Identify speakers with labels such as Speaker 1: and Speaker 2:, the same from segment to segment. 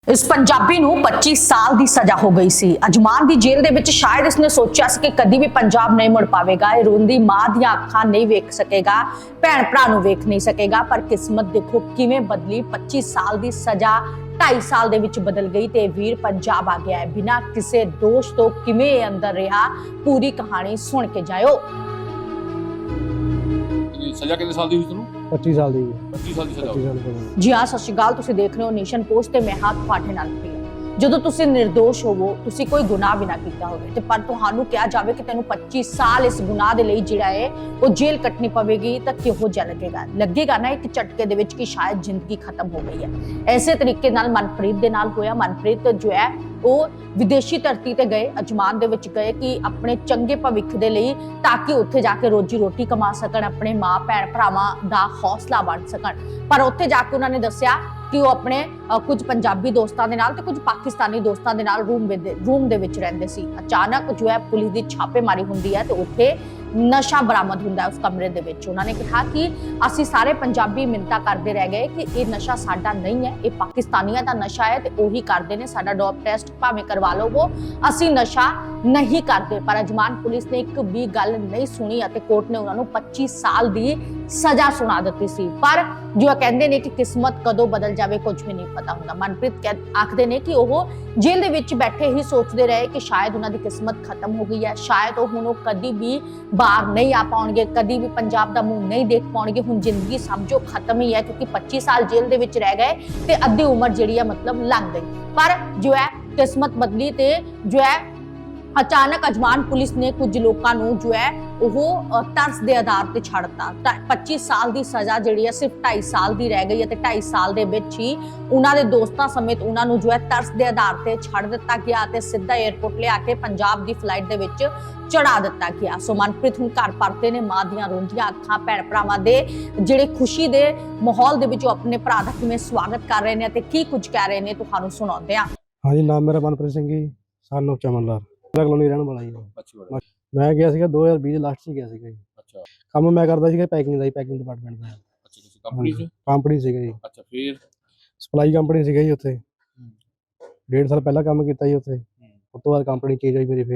Speaker 1: इस पंजाबी नूं 25 साल की सजा हो गई सी। अजमान की जेल दे विच शायद इसने सोचा सी कि कदी भी पंजाब नहीं मुड़ पावेगा, रोंदी मां दी अखां नहीं वेख सकेगा, भैन भरा नूं वेख नहीं सकेगा। पर किस्मत देखो किवें बदली। 25 साल की सजा 2.5 साल दे विच बदल गई ते वीर पंजाब आ गया है। बिना किसी दोष तो किवें अंदर रहा, पूरी कहानी सुन के जाओ।
Speaker 2: सजा कितने साल दी हुई तैनूं?
Speaker 3: 25 साल ਦੀ
Speaker 2: 25 साल ਦੀ सजा
Speaker 3: 25 ਸਾਲ ਦੀ
Speaker 1: जी हाँ, सत श्री अकाल। तुसीं देख रहे हो नेशन पोस्ट ते मैं हां तुहाडे नाल प्रिया। ਜਦੋਂ ਤੁਸੀਂ ਨਿਰਦੋਸ਼ ਹੋਵੋ, ਤੁਸੀਂ ਕੋਈ ਗੁਨਾਹ ਵੀ ਨਾ ਕੀਤਾ ਹੋਵੇ ਤੇ ਪਰ ਤੁਹਾਨੂੰ ਕਿਹਾ ਜਾਵੇ ਕਿ ਤੈਨੂੰ 25 ਸਾਲ ਇਸ ਗੁਨਾਹ ਦੇ ਲਈ ਜਿਹੜਾ ਹੈ ਉਹ ਜੇਲ੍ਹ ਕੱਟਣੀ ਪਵੇਗੀ ਤਾਂ ਕਿਹੋ ਜਿਹਾ ਲੱਗੇਗਾ ਨਾ ਇੱਕ ਝਟਕੇ ਦੇ ਵਿੱਚ ਕਿ ਸ਼ਾਇਦ ਜ਼ਿੰਦਗੀ ਖਤਮ ਹੋ ਗਈ ਹੈ। ਐਸੇ ਤਰੀਕੇ ਨਾਲ ਮਨਪ੍ਰੀਤ ਦੇ ਨਾਲ ਹੋਇਆ। ਮਨਪ੍ਰੀਤ ਜੋ ਹੈ ਉਹ ਵਿਦੇਸ਼ੀ ਧਰਤੀ ਤੇ ਗਏ, ਅਜਮਾਨ ਦੇ ਵਿੱਚ ਗਏ ਕਿ ਆਪਣੇ ਚੰਗੇ ਭਵਿੱਖ ਦੇ ਲਈ, ਤਾਂ ਕਿ ਉੱਥੇ ਜਾ ਕੇ ਰੋਜੀ ਰੋਟੀ ਕਮਾ ਸਕਣ, ਆਪਣੇ ਮਾਂ ਭੈਣ ਭਰਾਵਾਂ ਦਾ ਹੌਸਲਾ ਬਣ ਸਕਣ। ਪਰ ਉੱਥੇ ਜਾ ਕੇ ਉਹਨਾਂ ਨੇ ਦੱਸਿਆ ਕਿ ਉਹ ਆਪਣੇ ਕੁਝ ਪੰਜਾਬੀ ਦੋਸਤਾਂ ਦੇ ਨਾਲ ਤੇ ਕੁਝ ਪਾਕਿਸਤਾਨੀ ਦੋਸਤਾਂ ਦੇ ਨਾਲ ਰੂਮ ਦੇ ਵਿੱਚ ਰਹਿੰਦੇ ਸੀ। ਅਚਾਨਕ ਜੋ ਹੈ ਪੁਲਿਸ ਦੀ ਛਾਪੇਮਾਰੀ ਹੁੰਦੀ ਹੈ ਤੇ ਉੱਥੇ ਨਸ਼ਾ ਬਰਾਮਦ ਹੁੰਦਾ ਹੈ ਉਸ ਕਮਰੇ ਦੇ ਵਿੱਚ। ਉਹਨਾਂ ਨੇ ਕਿਹਾ ਕਿ ਅਸੀਂ ਸਾਰੇ ਪੰਜਾਬੀ ਮਿੰਨਤਾਂ ਕਰਦੇ ਰਹਿ ਗਏ ਕਿ ਇਹ ਨਸ਼ਾ ਸਾਡਾ ਨਹੀਂ ਹੈ, ਇਹ ਪਾਕਿਸਤਾਨੀਆਂ ਦਾ ਨਸ਼ਾ ਹੈ ਤੇ ਉਹੀ ਕਰਦੇ ਨੇ, ਸਾਡਾ ਡੋਪ ਟੈਸਟ ਭਾਵੇਂ ਕਰਵਾ ਲਵੋ, ਅਸੀਂ ਨਸ਼ਾ ਨਹੀਂ ਕਰਦੇ। ਪਰ ਅਜਮਾਨ ਪੁਲਿਸ ਨੇ ਇੱਕ ਵੀ ਗੱਲ ਨਹੀਂ ਸੁਣੀ ਅਤੇ ਕੋਰਟ ਨੇ ਉਹਨਾਂ ਨੂੰ 25 ਸਾਲ ਦੀ ਸਜ਼ਾ ਸੁਣਾ ਦਿੱਤੀ ਸੀ। ਪਰ ਜੋ ਕਹਿੰਦੇ ਨੇ ਕਿ ਕਿਸਮਤ ਕਦੋਂ ਬਦਲ ਜਾਵੇ ਕੁਝ ਵੀ ਨਹੀਂ ਪਤਾ ਹੁੰਦਾ। ਮਨਪ੍ਰੀਤ ਆਖਦੇ ਨੇ ਕਿ ਉਹ ਜੇਲ੍ਹ ਦੇ ਵਿੱਚ ਬੈਠੇ ਹੀ ਸੋਚਦੇ ਰਹੇ ਕਿ ਸ਼ਾਇਦ ਉਹਨਾਂ ਦੀ ਕਿਸਮਤ ਖਤਮ ਹੋ ਗਈ ਹੈ, ਸ਼ਾਇਦ ਹੁਣ ਉਹ ਕਦੀ ਵੀ ਬਾਹਰ ਨਹੀਂ ਆ ਪਾਉਣਗੇ, ਕਦੀ ਵੀ ਪੰਜਾਬ ਦਾ ਮੂੰਹ ਨਹੀਂ ਦੇਖ ਪਾਉਣਗੇ। ਹੁਣ ਜ਼ਿੰਦਗੀ ਸਮਝੋ ਖਤਮ ਹੀ ਹੈ, ਕਿਉਂਕਿ 25 ਸਾਲ ਜੇਲ੍ਹ ਦੇ ਵਿੱਚ ਰਹਿ ਗਏ ਤੇ ਅੱਧੀ ਉਮਰ ਜਿਹੜੀ ਹੈ ਮਤਲਬ ਲੰਘ ਗਈ। ਪਰ ਜੋ ਹੈ ਕਿਸਮਤ ਬਦਲੀ ਤੇ ਜੋ ਹੈ ਅਚਾਨਕ ਅਜਮਾਨ ਪੁਲਿਸ ਨੇ ਕੁਝ ਲੋਕਾਂ ਨੂੰ ਜੋ ਹੈ ਉਹ ਤਰਸ ਦੇ ਆਧਾਰ ਤੇ ਛੱਡਤਾ। 25 ਸਾਲ ਦੀ ਸਜ਼ਾ ਜਿਹੜੀ ਹੈ ਸਿਰਫ 2.5 ਸਾਲ ਦੀ ਰਹਿ ਗਈ ਹੈ ਤੇ 2.5 ਸਾਲ ਦੇ ਵਿੱਚ ਹੀ ਉਹਨਾਂ ਦੇ ਦੋਸਤਾਂ ਸਮੇਤ ਉਹਨਾਂ ਨੂੰ ਜੋ ਹੈ ਤਰਸ ਦੇ ਆਧਾਰ ਤੇ ਛੱਡ ਦਿੱਤਾ ਗਿਆ ਤੇ ਸਿੱਧਾ 에ਅਰਪੋਰਟ ਲਿਆ ਕੇ ਪੰਜਾਬ ਦੀ ਫਲਾਈਟ ਦੇ ਵਿੱਚ ਚੜਾ ਦਿੱਤਾ ਗਿਆ। ਸੋ ਮਨਪ੍ਰੀਤ ਹੁਣ ਘਰ ਪਰਤੇ ਨੇ, ਮਾਂ ਦੀਆਂ ਰੋਂਦੀਆਂ ਅੱਖਾਂ, ਭੈਣ ਭਰਾਵਾਂ ਦੇ ਜਿਹੜੇ ਖੁਸ਼ੀ ਦੇ ਮਾਹੌਲ ਦੇ ਵਿੱਚ ਆਪਣੇ ਭਰਾ ਦਾ ਕਿਵੇਂ ਸਵਾਗਤ ਕਰ ਰਹੇ ਨੇ ਤੇ ਕੀ ਕੁਝ ਕਹਿ ਰਹੇ ਨੇ ਤੁਹਾਨੂੰ ਸੁਣਾਉਂਦੇ ਆ।
Speaker 3: ਹਾਂਜੀ, ਨਾਮ ਮੇਰਾ ਮਨਪ੍ਰੀਤ ਸਿੰਘ ਜੀ, ਸਾਨੂੰ ਚਮਨਲਾਲ ਕਲੋਨੀ ਰਹਿਣ ਵਾਲਾ ਜੀ।
Speaker 2: ਅੱਛਾ
Speaker 3: ਮੈਂ ਗਿਆ ਸੀਗਾ 2020 ਦੇ ਲਾਸਟ 'ਚ ਗਿਆ ਸੀਗਾ ਜੀ।
Speaker 2: ਅੱਛਾ
Speaker 3: ਕੰਮ ਮੈਂ ਕਰਦਾ ਸੀਗਾ ਪੈਕਿੰਗ ਦਾ ਜੀ, ਪੈਕਿੰਗ ਡਿਪਾਰਟਮੈਂਟ ਦਾ।
Speaker 2: ਅੱਛਾ ਕਿਸੇ ਕੰਪਨੀ 'ਚ?
Speaker 3: ਕੰਪਨੀ ਸੀਗਾ ਜੀ,
Speaker 2: ਅੱਛਾ ਫਿਰ
Speaker 3: ਸਪਲਾਈ ਕੰਪਨੀ ਸੀਗਾ ਜੀ। ਉੱਥੇ 1.5 ਸਾਲ ਪਹਿਲਾਂ ਕੰਮ ਕੀਤਾ ਜੀ ਉੱਥੇ। ਉਸ ਤੋਂ ਬਾਅਦ ਕੰਪਨੀ ਚੇਂਜ ਹੋਈ ਮੇਰੀ,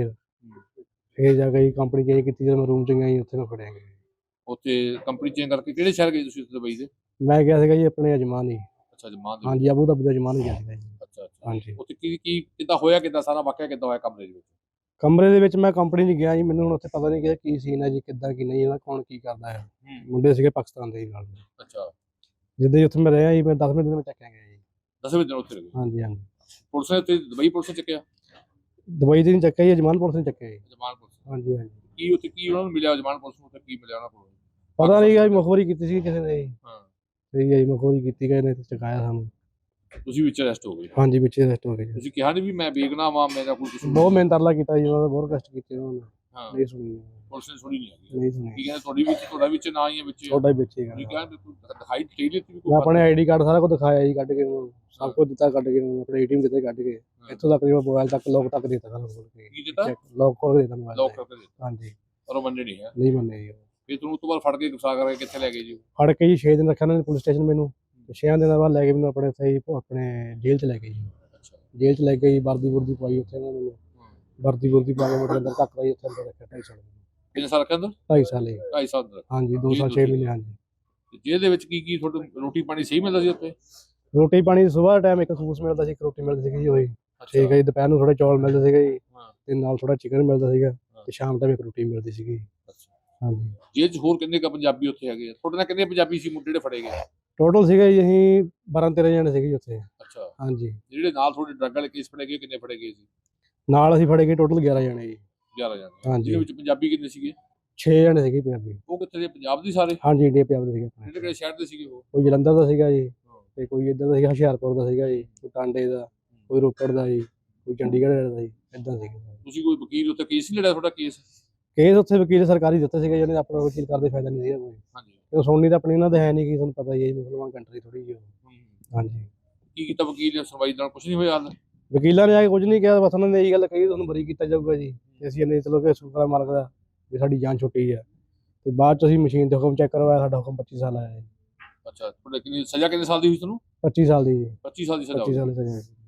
Speaker 3: ਫਿਰ ਜਾ ਕੇ ਕੰਪਨੀ ਚੇਂਜ ਕੀਤੀ। ਜਦੋਂ ਮੈਂ ਰੂਮ 'ਚ ਗਿਆ ਜੀ ਉੱਥੇ ਮੈਂ ਫੜਿਆ ਗਿਆ।
Speaker 2: ਉੱਥੇ ਕੰਪਨੀ ਚੇਂਜ ਕਰਕੇ ਕਿਹੜੇ ਸ਼ਹਿਰ ਗਏ ਤੁਸੀਂ ਦੁਬਈ ਦੇ?
Speaker 3: ਮੈਂ ਗਿਆ ਸੀਗਾ ਜੀ ਆਪਣੇ ਅਜਮਾਨ ਹੀ।
Speaker 2: ਅੱਛਾ ਜਮਾਨ ਦੇ?
Speaker 3: ਹਾਂਜੀ, ਅਬੂ ਧਾਬੀ ਦਾ ਅਜਮਾਨ ਹੀ ਗਿਆ ਸੀਗਾ ਜੀ।
Speaker 2: ਅੱਛਾ
Speaker 3: ਹਾਂਜੀ।
Speaker 2: ਉੱਥੇ ਕੀ ਕਿੱਦਾਂ ਹੋਇਆ, ਕਿੱਦਾਂ ਸਾਰਾ ਵਾਕਿਆ ਕਿੱਦਾਂ ਹੋਇਆ ਕਮਰੇ ਦੇ ਵਿੱਚ?
Speaker 3: ਕਮਰੇ ਦੇ ਵਿੱਚ ਮੈਂ ਕੰਪਨੀ 'ਚ ਗਿਆ ਜੀ, ਮੈਨੂੰ ਹੁਣ ਉੱਥੇ ਪਤਾ ਨਹੀਂ ਕਿ ਕੀ ਸੀਨ ਹੈ ਜੀ, ਕਿੱਦਾਂ ਕੀ ਨਹੀਂ, ਇਹਦਾ ਕੌਣ ਕੀ ਕਰਦਾ ਹੈ। ਮੁੰਡੇ ਸੀਗੇ ਪਾਕਿਸਤਾਨ ਦੇ ਨਾਲ।
Speaker 2: ਅੱਛਾ
Speaker 3: ਜਿੱਦਾਂ ਹੀ ਉੱਥੇ ਮੈਂ ਰਿਹਾ ਜੀ, ਮੈਂ 10 ਮਿੰਟ ਦੇ ਵਿੱਚ ਚੱਕਿਆ ਗਿਆ ਜੀ।
Speaker 2: 10 ਵਜੇ ਉੱਥੇ ਗਏ?
Speaker 3: ਹਾਂਜੀ ਹਾਂਜੀ।
Speaker 2: ਪੁਲਿਸ ਨੇ ਉੱਥੇ ਦੁਬਈ ਪੁਲਿਸ ਨੇ ਚੱਕਿਆ?
Speaker 3: ਦੁਬਈ ਦੇ ਨਹੀਂ ਚੱਕਿਆ ਜੀ, ਅਜਮਾਨ ਪੁਲਿਸ ਨੇ ਚੱਕਿਆ ਜੀ।
Speaker 2: ਜਮਾਨ ਪੁਲਿਸ?
Speaker 3: ਹਾਂਜੀ ਹਾਂਜੀ।
Speaker 2: ਕੀ ਉੱਥੇ ਕੀ ਉਹਨਾਂ ਨੂੰ ਮਿਲਿਆ ਜਮਾਨ ਪੁਲਿਸ ਨੂੰ, ਉੱਥੇ ਕੀ ਮਿਲਿਆ ਉਹਨਾਂ ਕੋਲ?
Speaker 3: ਪਤਾ ਨਹੀਂ ਗਾ ਜੀ, ਮੁਖਬਰੀ ਕੀਤੀ ਸੀ ਕਿਸੇ ਨੇ ਜੀ।
Speaker 2: ਹਾਂ
Speaker 3: ਸਹੀ ਹੈ ਜੀ, ਮੁਖਬਰੀ ਕੀਤੀ ਗਏ ਨੇ ਤੇ ਚਕਾਇਆ ਸਾਨੂੰ।
Speaker 2: ਤੁਸੀਂ ਵਿੱਚ ਅਰੈਸਟ ਹੋ ਗਏ?
Speaker 3: ਹਾਂਜੀ, ਵਿੱਚ ਅਰੈਸਟ ਹੋ ਗਏ ਜੀ।
Speaker 2: ਤੁਸੀਂ ਕਿਹਾ ਨਹੀਂ ਵੀ ਮੈਂ ਬੇਗੁਨਾਹ ਵਾਂ, ਮੇਰਾ ਕੋਈ ਕੁਝ?
Speaker 3: ਬਹੁਤ ਮਿਹਨਤ ਤਰਲਾ ਕੀਤਾ ਜੀ ਉਹਨਾਂ ਦਾ, ਬਹੁਤ ਕਸ਼ਟ ਕੀਤੇ ਉਹਨਾਂ ਨੇ।
Speaker 2: ਹਾਂ
Speaker 3: ਨਹੀਂ ਸੁਣੀ,
Speaker 2: ਪੁਲਿਸ ਨੇ ਸੁਣੀ ਨਹੀਂ ਹੈਗੀ?
Speaker 3: ਨਹੀਂ
Speaker 2: ਕੀ
Speaker 3: ਸੁਣੀ।
Speaker 2: ਕਹਿੰਦੇ ਤੁਹਾਡਾ ਵਿੱਚ ਨਾ ਹੀ ਹੈ ਵਿੱਚ?
Speaker 3: ਛੋਟਾ ਹੀ ਵਿੱਚ ਹੀ
Speaker 2: ਤੁਸੀਂ
Speaker 3: ਗਾ।
Speaker 2: ਕਹਿੰਦੇ ਦਿਖਾਈ ਦੇ ਦਿੱਤੀ
Speaker 3: ਮੈਂ ਆਪਣੇ ਆਈਡੀ ਕਾਰਡ ਸਾਰਾ ਕੁਝ ਦਿਖਾਇਆ ਜੀ, ਕੱਢ ਕੇ ਉਹਨੂੰ ਸਭ ਕੁਝ ਦਿੱਤਾ, ਕੱਢ ਕੇ ਉਹਨੂੰ ਆਪਣੇ ਏਟੀਐਮ ਦਿੱਤੇ, ਕੱਢ ਕੇ ਇੱਥੋਂ ਤੱਕ ਮੋਬਾਈਲ ਤੱਕ ਲੋਕ ਤੱਕ ਦਿੱਤਾ ਸਾਰਾ ਖੋਲ ਕੇ।
Speaker 2: ਕੀ ਦਿੱਤਾ?
Speaker 3: ਲੋਕ ਖੋਲ ਕੇ ਦਿੱਤਾ ਮੋਬਾਈਲ।
Speaker 2: ਲੋਕ ਕਰਕੇ ਦਿੱਤਾ?
Speaker 3: ਹਾਂਜੀ।
Speaker 2: ਪਰ ਉਹ ਮੰਨੇ ਨਹੀਂ ਹੈ?
Speaker 3: ਨਹੀਂ ਮੰਨੇ ਜੀ।
Speaker 2: ਫਿਰ ਤੁਹਾਨੂੰ ਉਸ ਤੋਂ ਬਾਅਦ ਫੜ ਕੇ ਗੁਸਾ ਕਰਕੇ ਕਿੱਥੇ ਲੈ ਗਏ ਜੀ?
Speaker 3: ਫੜ ਕੇ ਜੀ 6 ਦਿਨ ਰੱਖਿਆ ਉਹਨਾਂ ਨੇ ਪੁਲਿਸ ਸਟੇਸ਼ਨ ਮੈਨੂੰ। 6 ਦਿਨਾਂ ਬਾਅਦ ਲੈ ਕੇ ਮੈਨੂੰ ਆਪਣੇ ਸਹੀ ਆਪਣੇ ਜੇਲ੍ਹ 'ਚ ਲੈ ਗਏ ਜੀ।
Speaker 2: ਅੱਛਾ
Speaker 3: ਜੇਲ੍ਹ 'ਚ ਲੈ ਕੇ ਜੀ ਵਰਦੀ ਵੁਰਦੀ ਪਵਾਈ ਉੱਥੇ ਉਹਨਾਂ ਨੇ। ਵਰਦੀ ਵੁਰਦੀ ਪਾ ਕੇ ਮੇਰੇ ਅੰਦਰ ਧੱਕ ਦਾ ਜੀ, ਉੱਥੇ ਅੰਦਰ ਰੱਖਿਆ 2.5 ਸਾਲ।
Speaker 2: ਕਿੰਨੇ ਸਾਲ ਰੱਖਿਆ ਅੰਦਰ?
Speaker 3: 2.5 ਸਾਲ ਜੀ।
Speaker 2: 2.5 ਸਾਲ ਅੰਦਰ?
Speaker 3: ਹਾਂਜੀ, 2 ਸਾਲ 6 ਮਹੀਨੇ। ਹਾਂਜੀ।
Speaker 2: ਤੇ ਜੇਲ੍ਹ ਦੇ ਵਿੱਚ ਕੀ ਤੁਹਾਨੂੰ ਰੋਟੀ ਪਾਣੀ ਸਹੀ ਮਿਲਦਾ ਸੀ ਉੱਥੇ?
Speaker 3: ਰੋਟੀ ਪਾਣੀ ਸੁਬਾਹ ਟਾਈਮ ਇੱਕ ਖੂਸ ਮਿਲਦਾ ਸੀ, ਇੱਕ ਰੋਟੀ ਮਿਲਦੀ ਸੀਗੀ ਜੀ ਉਹੀ। ਠੀਕ ਹੈ ਜੀ। ਦੁਪਹਿਰ ਨੂੰ ਥੋੜੇ ਚੌਲ ਮਿਲਦੇ ਸੀਗੇ ਜੀ, ਤੇ ਨਾਲ ਥੋੜਾ ਚਿਕਨ ਮਿਲਦਾ ਸੀਗਾ, ਤੇ ਸ਼ਾਮ ਟਾਈਮ ਇੱਕ ਰੋਟੀ ਮਿਲਦੀ ਸੀਗੀ। ਹਾਂਜੀ।
Speaker 2: ਜੇਲ੍ਹ 'ਚ ਹੋਰ ਕਿੰਨੇ ਕ ਪੰਜਾਬੀ ਉੱਥੇ ਹੈਗੇ ਆ? ਤੁਹਾਡੇ ਨਾਲ ਕਿੰਨੇ ਪੰਜਾਬੀ ਸੀ ਮੁੰਡੇ ਜਿਹੜੇ ਫੜੇ ਗਏ?
Speaker 3: ਟੋਟਲ ਸੀਗਾ ਜੀ ਅਸੀਂ 12-13 ਜਣੇ ਸੀਗੇ ਜੀ ਉੱਥੇ।
Speaker 2: ਅੱਛਾ।
Speaker 3: ਹਾਂਜੀ।
Speaker 2: ਜਿਹੜੇ ਨਾਲ ਤੁਹਾਡੇ ਡਰੱਗ ਵਾਲੇ ਕੇਸ ਫੜੇ ਗਏ ਕਿੰਨੇ ਫੜੇ ਗਏ ਸੀ?
Speaker 3: ਨਾਲ ਅਸੀਂ ਫੜੇ ਗਏ ਟੋਟਲ 11 ਜਣੇ ਜੀ।
Speaker 2: 11 ਜਣੇ?
Speaker 3: ਹਾਂਜੀ।
Speaker 2: ਜਿਹਦੇ ਵਿੱਚ ਪੰਜਾਬੀ ਕਿੰਨੇ ਸੀਗੇ?
Speaker 3: 6 ਜਣੇ ਸੀਗੇ ਪੰਜਾਬੀ।
Speaker 2: ਉਹ ਕਿੱਥੇ ਦੇ, ਪੰਜਾਬ ਦੇ ਸਾਰੇ?
Speaker 3: ਹਾਂਜੀ, ਇੰਡੀਆ ਪੰਜਾਬ ਦੇ ਸੀਗੇ ਆਪਣੇ।
Speaker 2: ਕਿਹੜੇ ਕਿਹੜੇ ਸ਼ਹਿਰ ਦੇ ਸੀਗੇ ਉਹ?
Speaker 3: ਕੋਈ ਜਲੰਧਰ ਦਾ ਸੀਗਾ ਜੀ, ਤੇ ਕੋਈ ਇੱਧਰ ਦਾ ਸੀਗਾ ਹੁਸ਼ਿਆਰਪੁਰ ਦਾ ਸੀਗਾ ਜੀ, ਕੋਈ ਟਾਂਡੇ ਦਾ, ਕੋਈ ਰੋਪੜ ਦਾ ਜੀ, ਕੋਈ ਚੰਡੀਗੜ੍ਹ ਦਾ ਜੀ, ਇੱਦਾਂ ਸੀਗਾ।
Speaker 2: ਤੁਸੀਂ ਕੋਈ ਵਕੀਲ ਉੱਥੇ ਕੇਸ ਨਹੀਂ ਲੜਿਆ ਤੁਹਾਡਾ? ਕੇਸ
Speaker 3: ਉੱਥੇ ਵਕੀਲ ਸਰਕਾਰੀ ਦਿੱਤੇ ਸੀਗੇ, ਜਿਹਨੇ ਆਪਣਾ ਵਕੀਲ ਕਰਦੇ ਫਾਇਦਾ ਨਹੀਂ ਸੀਗਾ ਕੋਈ।
Speaker 2: ਹਾਂਜੀ।
Speaker 3: ਤੇ ਸੁਣਨੀ ਤਾਂ ਆਪਣੀ ਉਹਨਾਂ ਦੇ ਹੈ ਨਹੀਂ, ਕਿ ਤੁਹਾਨੂੰ ਪਤਾ ਹੀ ਹੈ ਜੀ, ਮੁਸਲਮਾਨ ਕੰਟਰੀ ਥੋੜੀ ਜਿਹੀ। ਹਾਂਜੀ।
Speaker 2: ਕੀ ਕੀਤਾ ਵਕੀਲ ਨੇ? ਸੁਣਵਾਈ ਨਾਲ ਕੁਝ ਨਹੀਂ ਹੋਇਆ ਹਾਲ?
Speaker 3: ਵਕੀਲਾਂ ਨੇ ਆ ਕੇ ਕੁਝ ਨਹੀਂ ਕਿਹਾ, ਬਸ ਉਹਨਾਂ ਨੇ ਇਹੀ ਗੱਲ ਕਹੀ ਤੁਹਾਨੂੰ ਬਰੀ ਕੀਤਾ ਜਾਊਗਾ ਜੀ। ਤੇ ਅਸੀਂ ਇਹਨੇ ਚਲੋ ਕਿ ਸ਼ੁਕਰ ਮਾਲਕ ਦਾ ਵੀ ਸਾਡੀ ਜਾਨ ਛੁੱਟੀ ਆ। ਤੇ ਬਾਅਦ ਚ ਅਸੀਂ ਮਸ਼ੀਨ ਤੇ ਹੁਕਮ ਚੈੱਕ ਕਰਵਾਇਆ, ਸਾਡਾ ਹੁਕਮ 25 ਸਾਲ ਆਇਆ ਜੀ।
Speaker 2: ਅੱਛਾ। ਤੁਹਾਡੇ ਕਿੰਨੀ ਸਜ਼ਾ ਕਿੰਨੇ ਸਾਲ ਦੀ ਹੋਈ ਤੁਹਾਨੂੰ?
Speaker 3: 25 ਸਾਲ ਦੀ ਜੀ।
Speaker 2: 25 ਸਾਲ ਦੀ ਸਜ਼ਾ?
Speaker 3: 25 ਸਾਲ ਦੀ ਸਜ਼ਾ।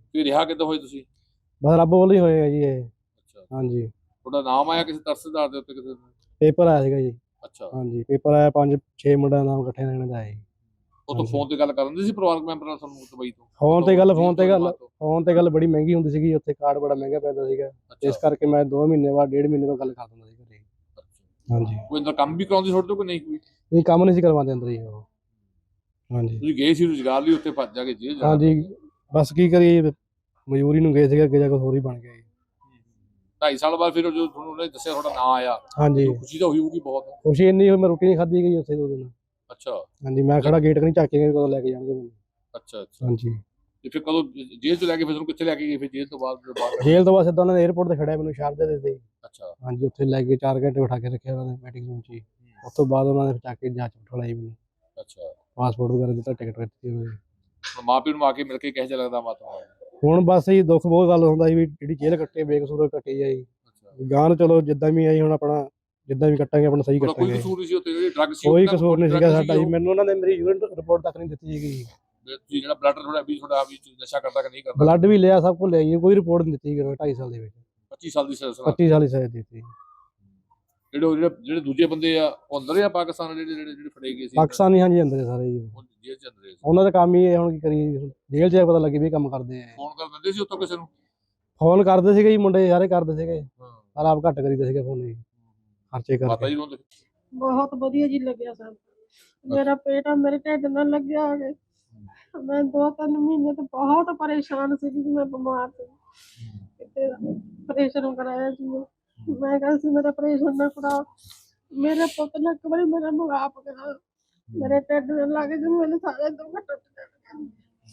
Speaker 2: ਫਿਰ ਰਿਹਾ ਕਿੱਦਾਂ ਹੋਏ ਤੁਸੀਂ?
Speaker 3: ਬਸ ਰੱਬ ਵੱਲੋਂ ਹੀ ਹੋਏਗਾ ਜੀ ਇਹ।
Speaker 2: ਅੱਛਾ,
Speaker 3: ਹਾਂਜੀ,
Speaker 2: ਤੁਹਾਡਾ ਨਾਮ ਆਇਆ ਕਿਸੇ ਤਰਸਦਾਰ ਦੇ ਉੱਤੇ ਕਿਸੇ ਦਾ?
Speaker 3: ਪੇਪਰ ਆਇਆ ਸੀਗਾ ਜੀ।
Speaker 2: ਅੱਛਾ,
Speaker 3: ਹਾਂਜੀ, ਪੇਪਰ ਆਇਆ 5-6 ਮੁੰਡਿਆਂ ਦਾ ਨਾਮ ਇਕੱਠੇ ਰਹਿਣ ਦਾ ਹੈ ਜੀ।
Speaker 2: ਉਹ ਤੋਂ ਫੋਨ ਤੇ ਗੱਲ ਕਰਨ ਦੇ ਸੀ ਪਰਿਵਾਰਕ ਮੈਂਬਰ ਨਾਲ ਤੁਹਾਨੂੰ ਦੁਬਈ ਤੋਂ?
Speaker 3: ਫੋਨ ਤੇ ਗੱਲ
Speaker 2: ਫੋਨ
Speaker 3: ਫੋਨ ਤੇ ਗੱਲ ਬੜੀ ਮਹਿੰਗੀ ਹੁੰਦੀ ਸੀਗੀ ਉੱਥੇ, ਕਾਰਡ ਬੜਾ ਮਹਿੰਗਾ ਪੈਂਦਾ ਸੀਗਾ, ਇਸ ਕਰਕੇ ਮੈਂ 2 ਮਹੀਨੇ ਬਾਅਦ 1.5 ਮਹੀਨੇ ਬਾਅਦ ਗੱਲ ਕਰ ਦਿੰਦਾ ਸੀ ਘਰੇ। ਹਾਂਜੀ,
Speaker 2: ਕੋਈ ਅੰਦਰ ਕੰਮ ਵੀ ਕਰਾਉਂਦੀ ਛੋੜ ਤੋਂ ਕਿ ਨਹੀਂ ਕੋਈ?
Speaker 3: ਨਹੀਂ ਕੰਮ ਨਹੀਂ ਸੀ ਕਰਵਾਉਂਦੇ ਅੰਦਰ ਜੀ ਉਹ। ਹਾਂਜੀ
Speaker 2: ਤੁਸੀਂ ਗਏ ਸੀ ਰੁਜ਼ਗਾਰ ਲਈ ਉੱਥੇ ਭੱਜ ਜਾ ਕੇ ਜੇਲ੍ਹ ਜਾਣਾ?
Speaker 3: ਹਾਂਜੀ, ਬਸ ਕੀ ਕਰੀਏ, ਮਜ਼ਦੂਰੀ ਨੂੰ ਗਏ ਸੀਗੇ, ਅੱਗੇ ਜਾ ਕੇ ਹੋਰ ਹੀ ਬਣ ਗਿਆ ਜੀ।
Speaker 2: 2.5 ਸਾਲ ਬਾਅਦ ਫਿਰ ਜਦੋਂ ਤੁਹਾਨੂੰ ਉਹਨੇ ਦੱਸਿਆ ਤੁਹਾਡਾ ਨਾਂ ਆਇਆ,
Speaker 3: ਹਾਂਜੀ,
Speaker 2: ਖੁਸ਼ੀ ਤਾਂ ਹੋਈ ਹੋਊਗੀ ਬਹੁਤ।
Speaker 3: ਖੁਸ਼ੀ ਇੰਨੀ ਹੋਈ, ਮੈਂ ਰੋਟੀ ਨਹੀਂ ਖਾਧੀ ਗਈ ਉੱਥੇ 2 ਦਿਨ।
Speaker 2: ਅੱਛਾ
Speaker 3: ਹਾਂਜੀ, ਮੈਂ ਖੜਾ ਗੇਟ ਕਨੀ ਝਾਕ ਕੇ ਕਦੋਂ ਲੈ ਕੇ ਜਾਣਗੇ ਮੈਨੂੰ।
Speaker 2: ਅੱਛਾ ਅੱਛਾ।
Speaker 3: ਹਾਂਜੀ,
Speaker 2: ਤੇ ਫਿਰ ਕਦੋਂ ਜੇਲ੍ਹ ਤੋਂ ਲੈ ਕੇ ਫਿਰ ਤੁਹਾਨੂੰ ਕਿੱਥੇ ਲੈ ਕੇ ਗਏ ਫਿਰ ਜੇਲ੍ਹ ਤੋਂ ਬਾਅਦ ਜਦੋਂ ਬਾਹਰ?
Speaker 3: ਜੇਲ੍ਹ ਤੋਂ ਬਾਅਦ ਸਿੱਧਾ ਉਹਨਾਂ ਨੇ 에ਅਰਪੋਰਟ ਤੇ ਖੜਿਆ ਮੈਨੂੰ ਸ਼ਾਰਜਾ ਦੇ ਦਿੱਤੇ।
Speaker 2: ਅੱਛਾ
Speaker 3: ਹਾਂਜੀ, ਉੱਥੇ ਲੈ ਕੇ 4 ਘੰਟੇ ਬਿਠਾ ਕੇ ਰੱਖਿਆ ਉਹਨਾਂ ਨੇ ਮੀਟਿੰਗ ਰੂਮ 'ਚ ਹੀ। ਉਸ ਤੋਂ ਬਾਅਦ ਉਹਨਾਂ ਨੇ ਚੱਕ ਕੇ ਜਾਂਚ ਬਿਠਾਈ ਮੈਨੂੰ,
Speaker 2: ਅੱਛਾ।
Speaker 3: ਪਾਸਪੋਰਟ ਵਗੈਰਾ ਦਿੱਤਾ, ਟਿਕਟ ਦਿੱਤੀ ਉਹਨਾਂ ਨੇ।
Speaker 2: ਹੁਣ ਮਾਂ ਪਿਓ ਨੂੰ ਆ ਕੇ ਮਿਲ ਕੇ ਕਿਹੋ ਜਿਹਾ ਲੱਗਦਾ ਮਾਤਾ?
Speaker 3: ਹੁਣ ਬਸ ਜੀ ਦੁੱਖ ਬਹੁਤ ਗੱਲ ਹੁੰਦਾ ਸੀ ਵੀ ਜਿਹੜੀ ਜੇਲ੍ਹ ਕੱਟੇ ਬੇਕਸੂਰ ਕੱਟੀ ਜਾਈ।
Speaker 2: ਅੱਛਾ,
Speaker 3: ਗਾਂ ਨੂੰ ਚਲੋ ਜਿੱਦਾਂ ਵੀ ਆਈ, ਹੁਣ ਆਪਣਾ ਜਿੱਦਾਂ ਵੀ ਕੱਟਾਂਗੇ ਆਪਣਾ ਸਹੀ
Speaker 2: ਕੋਈ
Speaker 3: ਕੱਟਾਂਗੇ।
Speaker 2: ਕਸੂਰ ਨਹੀਂ ਸੀ ਉੱਥੇ? ਜਿਹੜੀ ਡਰੱਗ ਸੀ
Speaker 3: ਕੋਈ
Speaker 2: ਉਹਨਾਂ
Speaker 3: ਕਸੂਰ ਨਹੀਂ
Speaker 2: drug
Speaker 3: ਸੀਗਾ
Speaker 2: ਸੀਗੀ
Speaker 3: ਸਾਡਾ ਜੀ,
Speaker 2: ਉਹ?
Speaker 3: ਮੈਨੂੰ ਉਹਨਾਂ ਨੇ ਮੇਰੀ ਯੂਰਿਨ ਰਿਪੋਰਟ ਤੱਕ ਨਹੀਂ ਦਿੱਤੀ ਸੀਗੀ।
Speaker 2: ਤੁਸੀਂ ਜਿਹੜਾ ਬਲੱਡ ਤੁਹਾਡਾ ਵੀ ਨਸ਼ਾ ਕਰਦਾ ਕਿ ਨਹੀਂ ਕਰਦਾ?
Speaker 3: ਬਲੱਡ ਵੀ ਲਿਆ, ਸਭ ਕੁਝ ਲਿਆ ਜੀ, ਕੋਈ ਰਿਪੋਰਟ ਨਹੀਂ ਦਿੱਤੀ 2.5 ਸਾਲ ਦੇ ਵਿੱਚ।
Speaker 2: 25 ਸਾਲ ਦੀ ਸਜ਼ਾ?
Speaker 3: 25 ਸਾਲ ਦੀ ਸਜ਼ਾ ਦਿੱਤੀ।
Speaker 2: ਜਿਹੜੇ ਦੂਜੇ ਬੰਦੇ ਆ ਉਹ ਅੰਦਰ ਆ ਪਾਕਿਸਤਾਨ, ਜਿਹੜੇ ਫੜੇ ਗਏ ਸੀ
Speaker 3: ਪਾਕਿਸਤਾਨੀ ਹਾਂਜੀ ਅੰਦਰ ਸਾਰੇ ਜੀ,
Speaker 2: ਉਹ ਜੇਲ੍ਹ ਚ ਅੰਦਰ ਸੀ?
Speaker 3: ਉਹਨਾਂ ਦਾ ਕੰਮ ਹੀ ਇਹ, ਹੁਣ ਕੀ ਕਰੀਏ ਜੀ, ਜੇਲ੍ਹ 'ਚ ਜਾ ਕੇ ਪਤਾ ਲੱਗੇ ਵੀ ਇਹ ਕੰਮ ਕਰਦੇ ਆ।
Speaker 2: ਫੋਨ ਕਰ ਦਿੰਦੇ ਸੀ ਉੱਥੋਂ ਕਿਸੇ ਨੂੰ?
Speaker 3: ਫੋਨ ਕਰਦੇ ਸੀਗੇ ਜੀ, ਮੁੰਡੇ ਸਾਰੇ ਕਰਦੇ ਸੀਗੇ,
Speaker 2: ਹਾਂ।
Speaker 3: ਪਰ ਆਪ ਘੱਟ ਕਰੀਦੇ ਸੀਗੇ ਫੋਨ ਜੀ, ਖਰਚੇ
Speaker 2: ਮਾਤਾ
Speaker 3: ਕਰਕੇ।
Speaker 2: ਜੀ ਨੂੰ
Speaker 4: ਬਹੁਤ ਵਧੀਆ ਜੀ ਲੱਗਿਆ ਸਭ। ਮੇਰਾ ਪੇਟ ਮੇਰੇ ਢਿੱਡ ਨਾਲ ਲੱਗਿਆ ਆ ਕੇ ਮੈਂ 2-3 ਮਹੀਨੇ ਤੋਂ ਬਹੁਤ ਪਰੇਸ਼ਾਨ ਸੀ ਕਿ ਮੈਂ ਬਿਮਾਰ ਸੀ। ਕਿਤੇ ਆਪਰੇਸ਼ਨ ਕਰਾਇਆ ਸੀ ਮੈਂ ਕਿਹਾ ਸੀ ਮੇਰਾ ਆਪਰੇਸ਼ਨ ਨਾ ਕਰਾ, ਮੇਰੇ ਪੁੱਤ ਨੇ ਇੱਕ ਵਾਰੀ ਮੇਰਾ ਮੁਗਾਪ ਕਰਾ, ਮੇਰੇ ਢਿੱਡ ਨਾਲ ਲੱਗ ਗਏ, ਮੇਰੇ ਸਾਰੇ ਦੁੱਖ ਟੁੱਟ ਗਏ।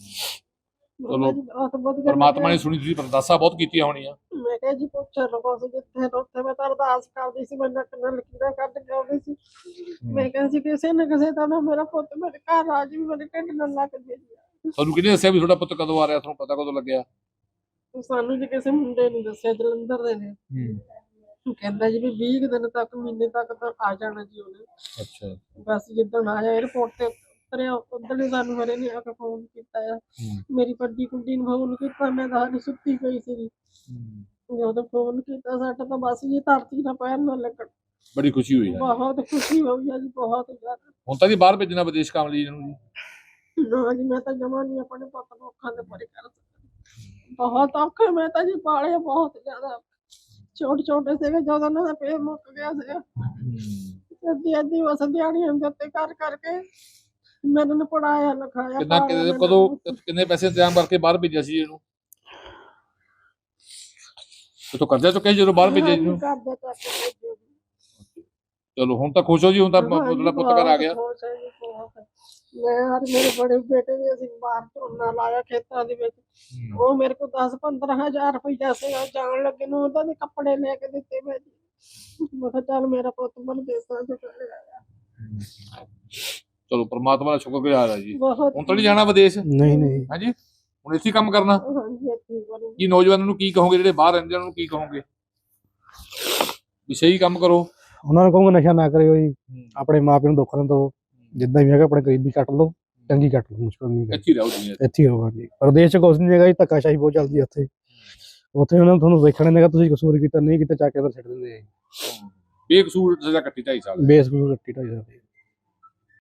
Speaker 2: ਚਲੋ,
Speaker 4: ਬਹੁਤ ਵਧੀਆ
Speaker 2: ਪਰਮਾਤਮਾ ਨੇ
Speaker 4: ਲੱਗਿਆ।
Speaker 2: ਸੁਣੀ, ਤੁਸੀਂ ਅਰਦਾਸਾਂ ਬਹੁਤ ਕੀਤੀਆਂ ਹੋਣੀਆਂ।
Speaker 4: ਮੈਂ ਕਿਹਾ ਜੀ ਪੁੱਛ ਲਓ ਸੀ ਜਿੱਥੇ ਉੱਥੇ ਮੈਂ ਤਾਂ ਅਰਦਾਸ ਕਰਦੀ ਸੀ, ਮੈਂ ਨੱਕ ਨਾਲ ਲਕੀਰਾਂ ਕੱਢ ਕੇ ਆਉਂਦੀ ਸੀ। ਮੈਂ ਕਹਿੰਦੀ ਸੀ ਕਿਸੇ ਨਾ ਕਿਸੇ ਤਰ੍ਹਾਂ ਮੇਰਾ ਪੁੱਤ ਮੇਰੇ ਘਰ ਆ ਜੀ, ਮੇਰੇ ਢਿੱਡ ਨਾਲ ਲੱਗ ਜੇ।
Speaker 2: ਤੁਹਾਨੂੰ ਕਿਹਨੇ ਦੱਸਿਆ ਵੀ ਤੁਹਾਡਾ ਪੁੱਤ ਕਦੋਂ ਆ ਰਿਹਾ? ਤੁਹਾਨੂੰ ਪਤਾ ਕਦੋਂ ਲੱਗਿਆ?
Speaker 4: ਸਾਨੂੰ ਜੀ ਕਿਸੇ ਮੁੰਡੇ ਨੇ ਦੱਸਿਆ, ਜਲੰਧਰ ਦੇ ਨੇ। ਕਹਿੰਦਾ ਜੀ ਵੀ 20 ਕੁ ਦਿਨ ਤੱਕ, ਮਹੀਨੇ ਤੱਕ ਤਾਂ ਆ ਜਾਣਾ ਜੀ ਉਹਨੇ।
Speaker 2: ਅੱਛਾ।
Speaker 4: ਬਸ ਜਿੱਦਣ ਆਇਆ 에ਅਰਪੋਰਟ ਤੇ ਉਤਰਿਆ ਉਦੋਂ ਹੀ ਸਾਨੂੰ ਮੇਰੇ ਨੇ ਆ ਕੇ ਫੋਨ ਕੀਤਾ ਆ। ਮੇਰੀ ਵੱਡੀ ਕੁੜੀ ਨੂੰ ਫੋਨ ਕੀਤਾ, ਮੈਂ ਤਾਂ ਹਾਲੇ ਸੁੱਤੀ ਪਈ ਸੀ। ਜਦੋਂ ਫੋਨ ਕੀਤਾ ਸਾਡਾ ਤਾਂ ਬਸ ਜੀ ਧਰਤੀ ਨਾਲ ਪੈਰ ਨਾ ਲੱਗਣ।
Speaker 2: ਬੜੀ ਖੁਸ਼ੀ ਹੋਈ ਹੈ?
Speaker 4: ਬਹੁਤ ਖੁਸ਼ੀ ਹੋਈ ਆ ਜੀ, ਬਹੁਤ ਜ਼ਿਆਦਾ।
Speaker 2: ਹੁਣ ਤਾਂ ਜੀ ਬਾਹਰ ਭੇਜਣਾ ਵਿਦੇਸ਼ ਕੰਮ ਲਈ ਇਹਨੂੰ ਜੀ?
Speaker 4: ਨਾ ਜੀ, ਮੈਂ ਤਾਂ ਜਮਾ ਨਹੀਂ ਆਪਣੇ ਪੁੱਤ ਨੂੰ ਅੱਖਾਂ ਦੇ ਪਰੇ ਕਰ ਸਕਦੀ। ਬਹੁਤ ਔਖੇ ਮੈਂ ਤਾਂ ਜੀ ਪਾਲੇ, ਬਹੁਤ ਜ਼ਿਆਦਾ ਛੋਟੇ ਸੀਗੇ ਜਦੋਂ ਉਹਨਾਂ ਦਾ ਪੇਟ ਮੁੱਕ ਗਿਆ ਸੀਗਾ। ਅੱਧੀ ਬਸ ਦਿਹਾੜੀਆਂ ਦੇ ਉੱਤੇ ਕਰ ਕਰਕੇ ਮੈਨੂੰ ਨੇ ਪੜਾਇਆ ਲਿਖਾਇਆ।
Speaker 2: ਕਿੰਨੇ ਪੈਸੇ ਇੰਤਜ਼ਾਮ ਕਰਕੇ ਬਾਹਰ ਭੇਜਿਆ ਸੀ ਇਹਨੂੰ? ਤੋ ਕਰਜ਼ਾ ਚੁੱਕਿਆ ਜਦੋਂ ਬਾਹਰ ਭੇਜਿਆ ਜੀ?
Speaker 4: ਕਰਜ਼ਾ ਚੱਕ ਕੇ ਭੇਜਿਆ ਜੀ।
Speaker 2: ਚਲੋ ਹੁਣ ਤਾਂ ਖੁਸ਼ ਹੋ ਜੀ, ਹੁਣ ਤਾਂ ਤੁਹਾਡਾ ਪੁੱਤ ਘਰ ਆ ਗਿਆ?
Speaker 4: ਖੁਸ਼ ਹੈ ਜੀ, ਬਹੁਤ। ਮੈਂ ਔਰ ਮੇਰੇ ਬੜੇ ਬੇਟੇ ਨੇ ਅਸੀਂ ਬਾਹਰ ਝੋਨਾ ਲਾਇਆ ਖੇਤਾਂ ਦੇ ਵਿੱਚ। ਉਹ ਮੇਰੇ ਕੋਲ 10-15 ਹਜ਼ਾਰ ਰੁਪਈਆ ਸੀਗਾ, ਜਾਣ ਲੱਗੇ ਨੂੰ ਉਹਦਾ ਦੇ ਕੱਪੜੇ ਲੈ ਕੇ ਦਿੱਤੇ ਮੈਂ ਜੀ। ਮੈਂ ਕਿਹਾ ਚੱਲ ਮੇਰਾ ਪੁੱਤ ਮਨ ਦੇਸਾਂ ਚ ਚਲੇ ਆਇਆ।
Speaker 2: ਚਲੋ ਪਰਮਾਤਮਾ ਦਾ ਸ਼ੁਕਰਗੁਜ਼ਾਰ ਹੈ ਜੀ।
Speaker 4: ਬਹੁਤ
Speaker 2: ਹੁਣ ਤਾਂ ਨਹੀਂ ਜਾਣਾ ਵਿਦੇਸ਼?
Speaker 3: ਨਹੀਂ
Speaker 2: ਹਾਂਜੀ, ਹੁਣ ਇੱਥੇ ਹੀ ਕੰਮ ਕਰਨਾ?
Speaker 4: ਹਾਂਜੀ, ਇੱਥੇ ਹੀ ਕਰੂੰਗੀ।
Speaker 2: ਕੀ ਨੌਜਵਾਨਾਂ ਨੂੰ ਕੀ ਕਹੋਗੇ ਜਿਹੜੇ ਬਾਹਰ ਰਹਿੰਦੇ ਉਹਨਾਂ ਨੂੰ ਕੀ ਕਹੋਗੇ? ਵੀ ਸਹੀ ਕੰਮ ਕਰੋ।
Speaker 3: ਉਹਨਾਂ ਨੂੰ ਕਹੂੰਗਾ ਨਸ਼ਾ ਨਾ ਕਰਿਓ ਜੀ, ਆਪਣੇ ਮਾਪਿਆਂ ਨੂੰ ਦੁੱਖ ਨਾ ਦਿਓ, ਜਿੱਦਾਂ ਵੀ ਹੈਗਾ ਆਪਣੇ ਗਰੀਬੀ ਕੱਟ ਲਓ, ਚੰਗੀ ਕੱਟ ਲਓ, ਮੁਸ਼ਕਲ ਨਹੀਂ ਹੈ।
Speaker 2: ਇੱਥੇ ਹੀ ਰਹੋ ਦੁਨੀਆ ਤੇ।
Speaker 3: ਇੱਥੇ ਹੀ ਹੋਗਾ ਜੀ, ਪ੍ਰਦੇਸ਼ ਚ ਕੁਛ ਨਹੀਂ ਹੈਗਾ ਜੀ, ਧੱਕਾਸ਼ਾਹੀ ਬਹੁਤ ਚੱਲਦੀ ਹੈ ਉੱਥੇ। ਉੱਥੇ ਉਹਨਾਂ ਨੂੰ ਤੁਹਾਨੂੰ ਵੇਖਣ ਨਹੀਂ ਹੈਗਾ, ਤੁਸੀਂ ਕਸੂਰ ਕੀਤਾ ਨਹੀਂ ਕੀਤਾ, ਚੱਕ ਕੇ ਅੰਦਰ ਛੱਡ ਦਿੰਦੇ ਆ ਜੀ।
Speaker 2: ਬੇਕਸੂਰ ਸਜ਼ਾ ਕੱਟੀ 2.5 ਸਾਲ।
Speaker 3: ਬੇਸ ਨੂੰ ਰੱਟੀ ਢਾਈ ਜਾਂਦੀ।